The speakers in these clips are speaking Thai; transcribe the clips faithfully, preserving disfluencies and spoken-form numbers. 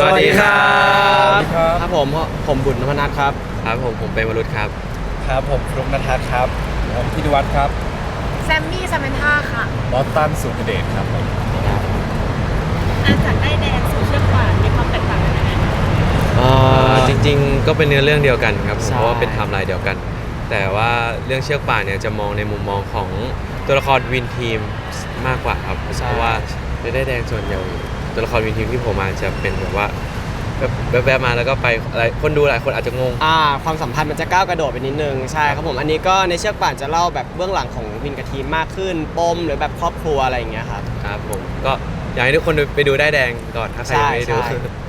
วัสดีครับครับผมผมบุญนพนัทครับครับผมผมเป็นวรุษครับครับผมฟลุ๊กณทัศน์ครับผมพิทวัฒน์ครับแซมมี่ซาเมนท่าค่ะบอสตันสุขเดชครับผมอาจากได้แดงสู่เชือกป่านมีความแตกต่างกันไหมอ่าจริงๆก็เป็นเนื้อเรื่องเดียวกันครับเพราะว่าเป็นไทม์ไลน์เดียวกันแต่ว่าเรื่องเชือกป่านเนี่ยจะมองในมุมมองของตัวละครวินทีมมากกว่าครับเพราะว่าในได้แดงส่วนใหญ่ตัวละครวินทีมที่ผมมาจะเป็นแบบว่าแบบแบบมาแล้วก็ไปอะไรคนดูหลายคนอาจจะงงอ่าความสัมพันธ์มันจะก้าวกระโดดไปนิดนึงใช่ครับผมอันนี้ก็ในเชือกป่านจะเล่าแบบเบื้องหลังของวินกับทีมมากขึ้นปมหรือแบบครอบครัวอะไรอย่างเงี้ยครับครับผมก็อยากให้ทุกคนไปดูได้แดงก่อนถ้าใครยังไม่ได้ดู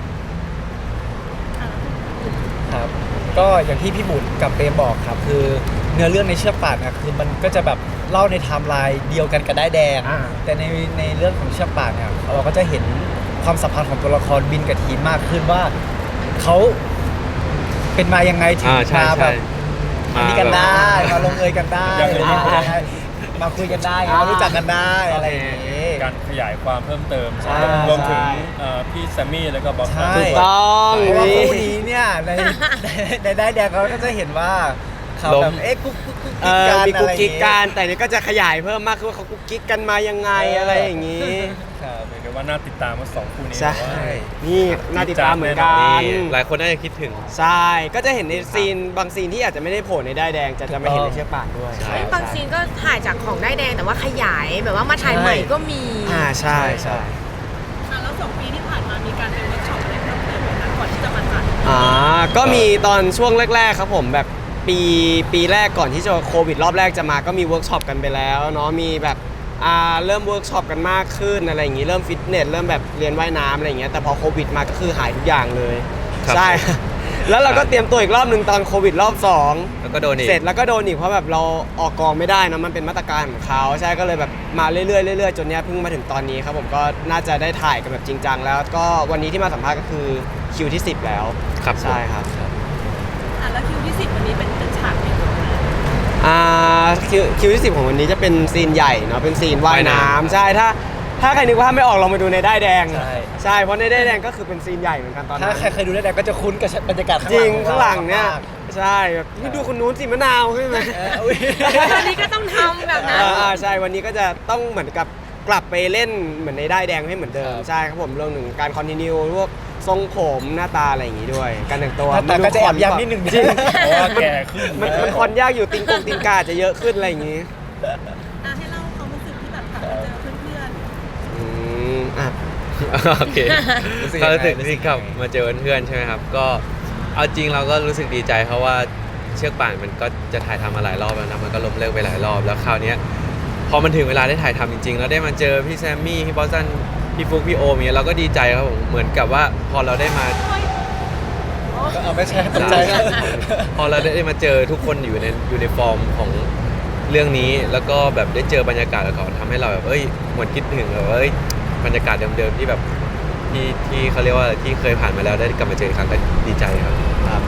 ครับก็อย่างที่พี่บุญกับเปรมบอกครับคือเนื้อเรื่องในเชือกป่านนะคือมันก็จะแบบเล่าในไทม์ไลน์เดียวกันกับได้แดงแต่ในในเรื่องของเชือกป่านเนี่ยเราก็จะเห็นความสัมพันธ์ของตัวละครบินกับทีมมากขึ้นว่าเขาเป็นมายังไงถึงมาแบบมาดีกันได้มาลงเอยกันได้มาคุยกันได้มารู้จักกันได้อะไรอย่างนี้การขยายความเพิ่มเติมรวมถึงพี่แซมมี่แล้วก็บอสถูกต้องเพราะว่าคู่นี้เนี่ยในในได้แดงเขาก็จะเห็นว่าเขาแบบเอ๊ะกุ๊กกุ๊กกุ๊กกันมีกุ๊กกิ๊กกันแต่นี่ก็จะขยายเพิ่มมากขึ้นว่าเขากุ๊กกิ๊กกันมายังไงอะไรอย่างนี้ครับเรียกว่าน่าติดตามว่าสองคู่นี้ใช่นี่น่าติดตามเหมือนกันหลายคนน่าจะคิดถึงใช่ก็จะเห็นในซีนบางซีนที่อาจจะไม่ได้โผล่ในได้แดงจะจะมาเห็นในเชือกป่านด้วยบางซีนก็ถ่ายจากของได้แดงแต่ว่าขยายแบบว่ามาถ่ายใหม่ก็มีอ่าใช่ใช่แล้วสองปีที่ผ่านมามีการเป็นเวิร์กช็อปอะไรเพิ่มเติมไหมคะก่อนที่จะมาถ่ายอ่าก็มีตอนช่วงแรกๆครับผมแบบปีปีแรกก่อนที่จะโควิดรอบแรกจะมาก็มีเวิร์กช็อปกันไปแล้วเนาะมีแบบอ่าเริ่มเวิร์กช็อปกันมากขึ้นอะไรอย่างงี้เริ่มฟิตเนสเริ่มแบบเรียนว่ายน้ำอะไรอย่างเงี้ยแต่พอโควิดมาก็คือหายทุกอย่างเลยใช่แล้วเราก็เตรียมตัวอีกรอบหนึ่งตอนโควิดรอบสองแล้วก็โดนอีกเสร็จแล้วก็โดนอีกเพราะแบบเราออกกองไม่ได้นะมันเป็นมาตรการของเขาใช่ก็เลยแบบมาเรื่อยๆเรื่อยๆจนเนี้ยเพิ่งมาถึงตอนนี้ครับผมก็น่าจะได้ถ่ายกันแบบจริงจังแล้วก็วันนี้ที่มาสัมภาษณ์ก็คือคิวที่สิบแล้วครับใช่ครับอ่ะแล้วคิวที่สิบวันนี้เป็นเป็นฉากไหนอ่าคิวคิวที่สิบของวันนี้จะเป็นซีนใหญ่เนาะเป็นซีนว่ายน้ำใช่ถ้าถ้าใครนึกว่าไม่ออกลองมาดูในได้แดงใช่ใช่เพราะในได้แดงก็คือเป็นซีนใหญ่เหมือนกันตอนนั้นถ้าใครเคยดูได้แดงก็จะคุ้นกับบรรยากาศจริงข้างหลังเนี่ยใช่แบบนี่ดูคนนู้นสิมะนาวใช่ไหมวันนี้ก็ต้องทำแบบนั้นอ่าใช่วันนี้ก็จะต้องเหมือนกับกลับไปเล่นเหมือนในได้แดงให้เหมือนเดิมใช่ครับผมเรื่องหนึ่งการคอนติเนียพวกทรงผมหน้าตาอะไรอย่างงี้ด้วยการแต่งตัวแต่ก็จะแอบย้ำนิดนึงจริงเพราะว่าแก่ขึ้นมันมันคอนยากอยู่ติงกงติงกาจะเยอะขึ้นอะไรอย่างงี้อ่ะให้เล่าความรู้สึกที่แบบกลับมาเจอเพื่อนๆอืมอ่ะโอเคก็รู้สึกที่กลับมาเจอเพื่อนใช่ไหมครับก็เอาจริงเราก็รู้สึกดีใจเพราะว่าเชือกป่านมันก็จะถ่ายทำมาหลายรอบแล้วนะมันก็ล้มเลิกไปหลายรอบแล้วคราวนี้พอมันถึงเวลาได้ถ่ายทำจริงๆแล้วได้มาเจอพี่แซมมี่พี่บอสตันพี่ฟุกพี่โอมเนี่ยเราก็ดีใจครับผมเหมือนกับว่าพอเราได้มาเอาไม่ใช่ใจพอเราได้มาเจอทุกคนอยู่ในอยู่ในฟอร์มของเรื่องนี้แล้วก็แบบได้เจอบรรยากาศก่อนทำให้เราแบบเอ้ยเหมือนคิดถึงแบบเอ้ยบรรยากาศเดิมๆที่แบบที่ที่เขาเรียกว่าที่เคยผ่านมาแล้วได้กลับมาเจออีกครั้งก็ดีใจครับครับ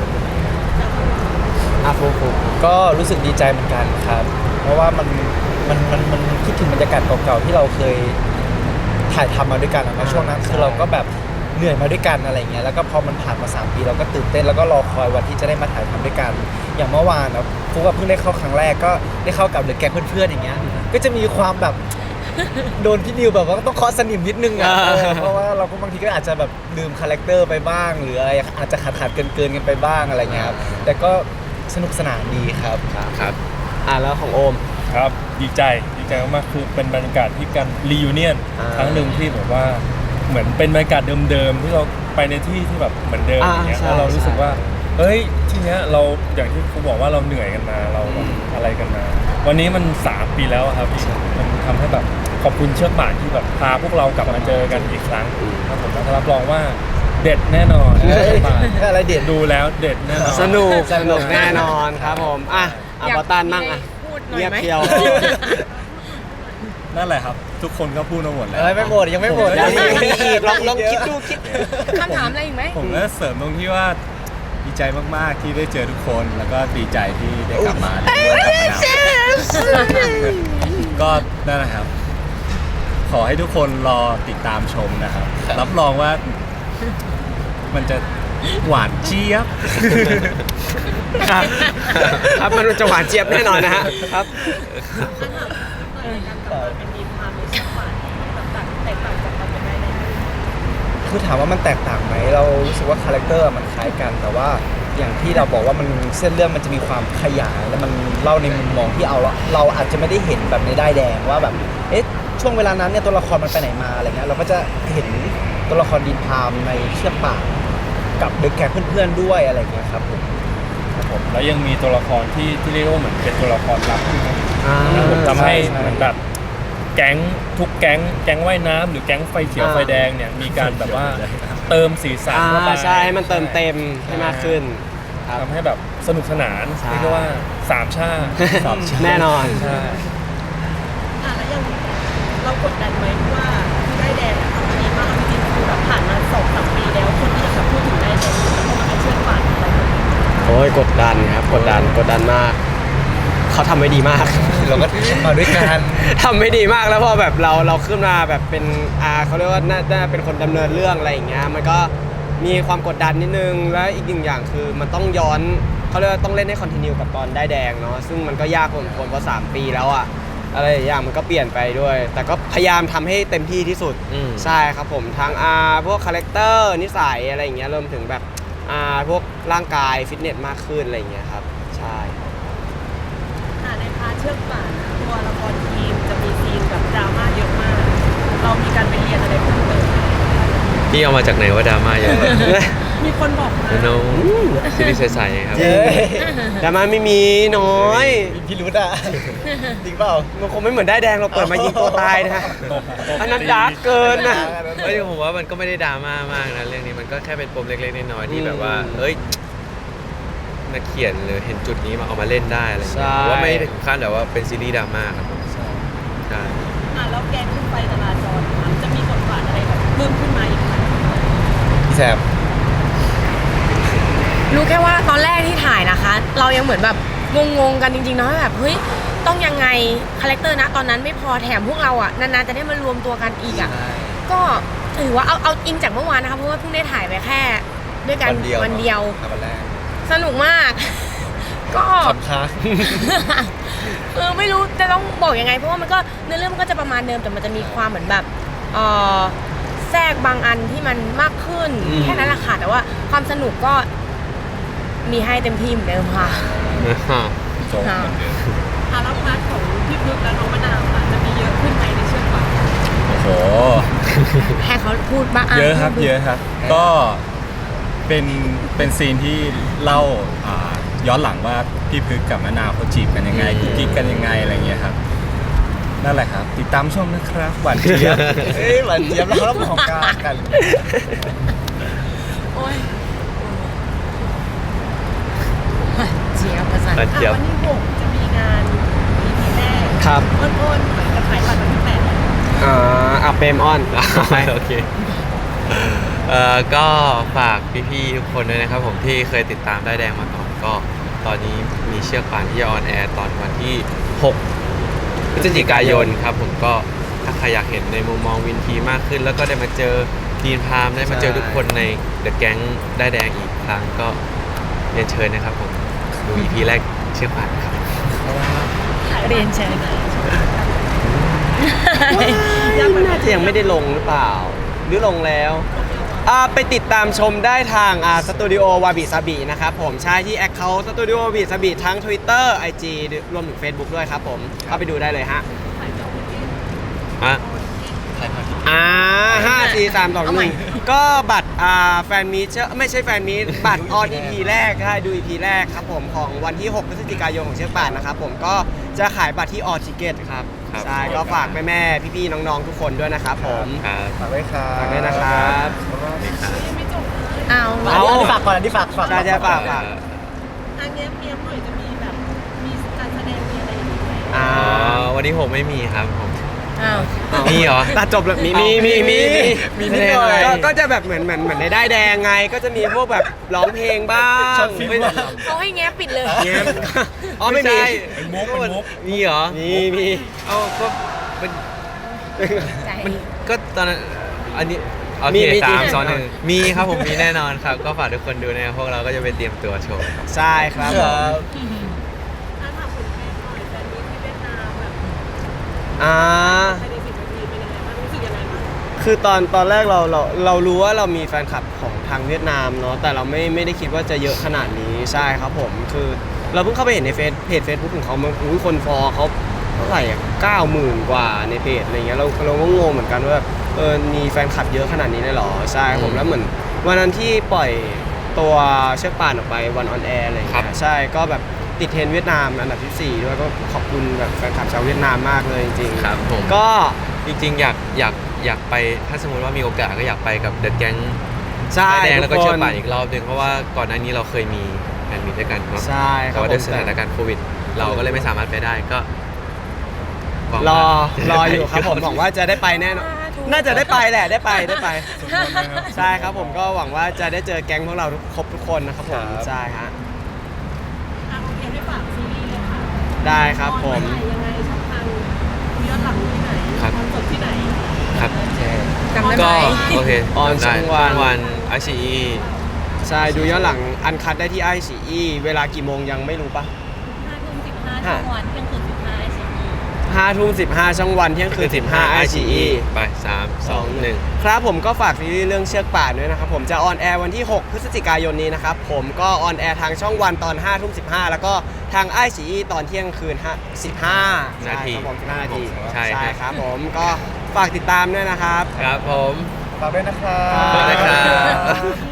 อ่ะฟุกฟุกก็รู้สึกดีใจเหมือนกันครับเพราะว่ามันมันมันมันคิดถึงบรรยากาศเก่าๆที่เราเคยถ่ายทำมาด้วยกันแล้วช่วงนั้นคือเราก็แบบเหนื่อยมาด้วยกันอะไรเงี้ยแล้วก็พอมันผ่านมาสามปีเราก็ตื่นเต้นแล้วก็รอคอยวันที่จะได้มาถ่ายทำด้วยกันอย่างเมื่อวานนะฟุกก็เพิ่งได้เข้าครั้งแรกก็ได้เข้ากับหรือแกเพื่อนๆอย่างเงี้ยก็จะมีความแบบโดนพี่นิวแบบว่าต้องเคาะสนิมนิดนึงอ่ะเพราะว่าเราก็บางทีก็อาจจะแบบลืมคาแรคเตอร์ไปบ้างหรืออะไรอาจจะขาดขาดเกินเกินกันไปบ้างอะไรเงี้ยครับแต่ก็สนุกสนานดีครับครับอ่ะแล้วของโอมครับดีใจดีใจมากๆคือเป็นบรรยากาศที่การรียูเนียนครั้งหนึ่งที่แบบว่าเหมือนเป็นบรรยากาศเดิมๆที่เราไปในที่ที่แบบเหมือนเดิมอย่างเงี้ยแล้วเรารู้สึกว่าเฮ้ยที่เนี้ยเราอย่างที่ครูบอกว่าเราเหนื่อยกันมาเราอะไรกันมาวันนี้มันสามปีแล้วครับพี่มันทำให้แบบขอบคุณเชือกป่านที่แบบพาพวกเรากลับมาเจอกันอีกครั้งครับผมรับรองว่าเด็ดแน่นอนอะไรเด็ดดูแล้วเด็ดแน่นอนสนุกสนุกแน่นอนครับผมอ่ะอ่ะบอตันมั่งอ่ะเงียบเพียวนั่นแหละครับทุกคนก็พูดมาหมดแล้วไม่หมดยังไม่หมดยังมีอีกลองลองคิดดูคิดคำถามอะไรอีกไหมผมก็เสริมตรงที่ว่าดีใจมากๆที่ได้เจอทุกคนแล้วก็ดีใจที่ได้กลับมาก็นั่นแหละครับขอให้ทุกคนรอติดตามชมนะครับรับรองว่ามันจะหวานเจี๊ยบครับครับมันจะหวานเจี๊ยบแน่นอนนะฮะครับถ้าถามเปิดในการกลับมาเป็นดีมพามในเชื่อฝันแบบต่างแตกต่างจากตอนเป็นได้เลยคือถามว่ามันแตกต่างไหมเรารู้สึกว่าคาแรคเตอร์มันคล้ายกัน แต่ว่าอย่างที่เราบอกว่ามันเส้นเรื่องมันจะมีความขยายและมันเล่าในมุมมองที่เอาละเราอาจจะไม่ได้เห็นแบบในด้ายแดงว่าแบบเอ๊ะช่วงเวลานั้นเนี่ยตัวละครมันไปไหนมาอะไรเงี้ยเราก็จะเห็นตัวละครดินพามในเชือกป่านกับเด็กแขกเพื่อนๆด้วยอะไรเงี้ยครับผมครับผมแล้วยังมีตัวละครที่ที่เรียกว่าเหมือนเป็นตัวละครลับอยู่อ่าผมทำให้ใช่เหมือนแบบแก๊งทุกแก๊งแก๊งว่ายน้ำหรือแก๊งไฟเขียวอ่าไฟแดงเนี่ยมีการแบบว่าเติมสีสันอ่าเข้าไปใช่ให้มันเติมเต็มให้มากขึ้นครับทำให้แบบสนุกสนานใช่เรียกได้ว่าสามชาติแน่นอนใช่อ่ะแล้วยังเรากดดันไหมว่าได้แดงอะทำมาดีมากเอาจริงๆคือแบบผ่านมาสองสามปีแล้วคนที่ยังแบบพูดถึงได้แดงอยู่แล้วก็มาเชื่อฝันอะไรแบบนี้โอ้ยกดดันครับกดดันกดดันมาก เขาทำไว้ดีมากเราก็มาด้วยกันทำไม่ดีมากแล้วพอแบบเราเราขึ้นมาแบบเป็นอาเขาเรียกว่าน่าน่าเป็นคนดำเนินเรื่องอะไรอย่างเงี้ยมันก็มีความกดดันนิดนึงแล้วอีกหนึ่งอย่างคือมันต้องย้อนเขาเรียกว่าต้องเล่นให้คอนติเนียกับตอนได้แดงเนาะซึ่งมันก็ยากพอสมควรเพราะสามปีแล้วอะอะไรหลายอย่างมันก็เปลี่ยนไปด้วย แต่ก็พยายามทำให้เต็มที่ที่สุดอืมใช่ครับผมทั้งอาพวกคาแรคเตอร์นิสัยอะไรอย่างเงี้ยรวมถึงแบบอาพวกร่างกายฟิตเนสมากขึ้นอะไรอย่างเงี้ยครับใช่อ่ะในพาร์ทเชือกป่านอะตัวละครทีมจะมีซีนแบบดราม่าเยอะมาก เรามีการไปเรียนอะไรเพิ่มเติมไหมพี่เอามาจากไหนว่าดราม่าเยอะมีคนบอกมาโน้ซีรีส์ใสๆครับเย้แต่มันไม่มีน้อยมีพี่รุธอ่ะ จริงเปล่ามันคงไม่เหมือนได้ายแดงเราเปิดมายิงตัวตายนะฮะอันนั้นดาร์กเกินนะเฮ้ยผมว่ามันก็ไม่ได้ดราม่ามากนะเรื่องนี้มันก็แค่เป็นปมเล็กๆน้อยๆที่แบบว่าอืมเฮ้ยนักเขียนหรือเห็นจุดนี้มาเอามาเล่นได้อะไรอย่างเงี้ยใช่ผมว่าไม่ได้ถึงขั้นแบบว่าเป็นซีรีส์ดราม่าครับผมใช่อ่ะแล้วแกงขึ้นไปจราจรมันจะมีบทบาทอะไรแบบเพิ่มขึ้นมาอีกไหมพี่แซมรู้แค่ว่าตอนแรกที่ถ่ายนะคะ เรายังเหมือนแบบงงๆกันจริงๆเนาะแบบเฮ้ยต้องยังไงคาแรคเตอร์นะตอนนั้นไม่พอแถมพวกเราอ่ะนานๆจะได้มารวมตัวกันอีกอ่ะก็ถือว่าเอาเอาอิงจากเมื่อวานนะคะเพราะว่าเพิ่งได้ถ่ายไปแค่ ด้วยกันวันเดียววันเดียวอ่ะวันแรกสนุกมาก ก็ขอบค้าเออไม่รู้จะต้องบอกยังไง เพราะว่ามันก็เนื้อเรื่องมันก็จะประมาณเดิมแต่มันจะมีความเหมือนแบบเออแทรกบางอันที่มันมากขึ้นอืมแค่นั้นแหละค่ะแต่ว่าความสนุกก็มีให้เต็มที่เหมือนเดิมค่ะอ่ะแล้วพาร์ทของพี่พึกและน้องมะนาวค่ะจะมีเยอะขึ้นไหมในเชือกป่านโอ้โหให้เขาพูดบ้างเยอะครับพูดดูเยอะครับ ก็เป็นเป็นซีนที่เล่าอ่าย้อนหลังว่าพี่พึกกับมะนาวเขาจีบกันยังไงกุ๊กกิ๊กกันยังไงอะไรเงี้ยครับนั่นแหละครับ ติดตามชมนะครับหวานเจี๊ยบเอ้ยหวานเจี๊ยบแล้วเรามองกลางกันโอ้ยเจียบประสานหวานอ่ะเจี๊ยบวันที่หกจะมีงาน อี พี แรกครับอ้นๆเหมือนจะขายบัตรวันที่แปดอ่าอ่ะเปรมออนโอเคเอ่อก็ฝากพี่ๆทุกคนด้วยนะครับผมที่เคยติดตามได้ายแดงมาก่อน ก็ตอนนี้มีเชือกป่านที่จะออนแอร์ตอนวันที่หกพฤศจิกายนครับผมก็ถ้าใครอยากเห็นในมุมมองวินทีมากขึ้น แล้วก็ได้มาเจอดีนพามได้มาเจอทุกคนในเดอะแก๊งได้ายแดงอีกครั้งก็เรียนเชิญนะครับผมดู อี พี แรกเชือกป่านครับเรียนเชิญน่าจะยังไม่ได้ลงหรือเปล่า หรือลงแล้วอ่าไปติดตามชมได้ทางอ่าสตูดิโอวาบิซาบินะครับผมใช่ที่แอคเคาท์สตูดิโอวาบิซาบิทั้ง Twitter ไอ จี รวมถึง Facebook ด้วยครับผมเข้าไปดูได้เลยฮะอ่ะอ่าห้าสี่สามสองหนึ่งก็บัตรอ่าแฟนมีตเชไม่ใช่แฟนมีตบัตรออน อี พี แรกใช่ดู อี พี แรกครับผมของวันที่ หก พฤศจิกายนของเชือกป่านนะครับผมก็จะขายบัตรที่ออทิเกตครับครับใช่ก็ฝากแม่ๆพี่ๆน้องๆทุกคนด้วยนะครับผมครับฝากไว้ครับฝากด้วยนะครับยังไม่จบเลยเอาเอาอันนี้ฝากก่อนอันนี้ฝากฝากใช่ใช่ฝากฝากอันเนี้ยเมียมหน่อยจะมีแบบมีการแสดงมีอะไรอย่างงี้ไหมอ่าอ๋อวันที่หกไม่มีครับผมเอามีเหรอตัดจบเลยมีมีมีมีมีนิดหน่อยก็ก็จะแบบเหมือนเหมือนเหมือนในได้ายแดงไง ก็จะมีพวกแบบร้องเพลงบ้างช็อตฟิล์มบ้างเขาให้แง้ปิดเลยเงี้ยอ๋อไม่มีใช่เป็นมุกเป็นมุกมีเหรอมีมีเอาก็เป็นใจมันก็ตอนนั้นอันนี้โอมีเคมีสาจริมงสองหนึ่งมีครับผมมีแน่นอนครับ ก็ฝากทุกคนดูนะครับพวกเราก็จะไปเตรียมตัวโชว์ครับใช่ครับผมถ้าถามคุณแม่หน่อยแฟนนี้ที่เวียดนามแบบอ่าภายในสิบนาทีเป็นยังไงบ้างรู้สึกยังไงบ้างคือตอนตอนแรกเราเราเรารู้ว่าเรามีแฟนคลับของทางเวียดนามเนาะแต่เราไม่ไม่ได้คิดว่าจะเยอะขนาดนี้ใช่ครับผมคือเราเพิ่งเข้าไปเห็นในเฟซเพจเฟซบุ๊กของเขามันอุ้ยคนฟอลเขาเท่าไหร่อ่ะเก้าหมื่นกว่าในเพจอะไรเงี้ยเราเราก็งงเหมือนกันว่าแบบเออมีแฟนคลับเยอะขนาดนี้เลยเหรอใช่ครับผมแล้วเหมือนวันนั้นที่ปล่อยตัวเชือกป่านออกไปวันออนแอร์อะไรครัเงี้บยใช่ก็แบบติดเทรนด์เวียดนามอันดับที่สี่ด้วยก็ขอบคุณแบบแฟนคลับชาวเวียดนามมากเลยจริงๆครับผมก็จริงๆอยากอยากอยากไปถ้าสมมติว่ามีโอกาสก็อยากไปกับเดอะแก๊งใช่แดงแล้วก็ทุเชือกคนป่านอีกรอบหนึงเพราะว่าก่อนหน้านี้เราเคยมีแฟนมีตด้วยกันเนาะใช่คแต่รับว่าผด้วยมสถานการณ์โควิด เราก็เลยไม่สามารถไปได้ก็หวังรอว่ารออยู่ครับผมหวังว่าจะได้ไปแน่นอนสาธุน่าจะได้ไปแหละได้ไปได้ไปสมมตินะครับใช่ครับผมก็หวังว่าจะได้เจอแก๊งพวกเราทุกครบทุกคนนะครับผมครับใช่ฮะอ่ะโอเคให้ฝากซีรีส์เลยค่ะได้ครับผมออนไลน์ยังไงช่องทางย้อนหลังที่ไหนครับคอนเสิร์ตที่ไหนครับจำได้ไหมก็โอเคออนช่องวันวันไอซีใช่ดูย้อนหลังอันคัดได้ที่ไอซีอีเวลากี่โมงยังไม่รู้ปะห้าทุ่มสิบห้าช่องวันเที่ยงคืนสิบห้าไอซีอีห้าทุ่มสิบห้าช่องวันเที่ยงคืนสิบห้าไอซีอีไปสามสองหนึ่งครับผมก็ฝากซีรีส์เรื่องเชือกป่านด้วยนะครับผมจะออนแอร์วันที่ หก พฤศจิกายนนี้นะครับผมก็ออนแอร์ทางช่องวันตอนห้าทุ่มสิบห้าแล้วก็ทางไอซีตอนเที่ยงคืนสิบห้านาทีครับผมสิบห้านาทีใช่ครับครับผมก็ฝากติดตามด้วยนะครับครับผมฝากด้วยนะครับฝากด้วยครับ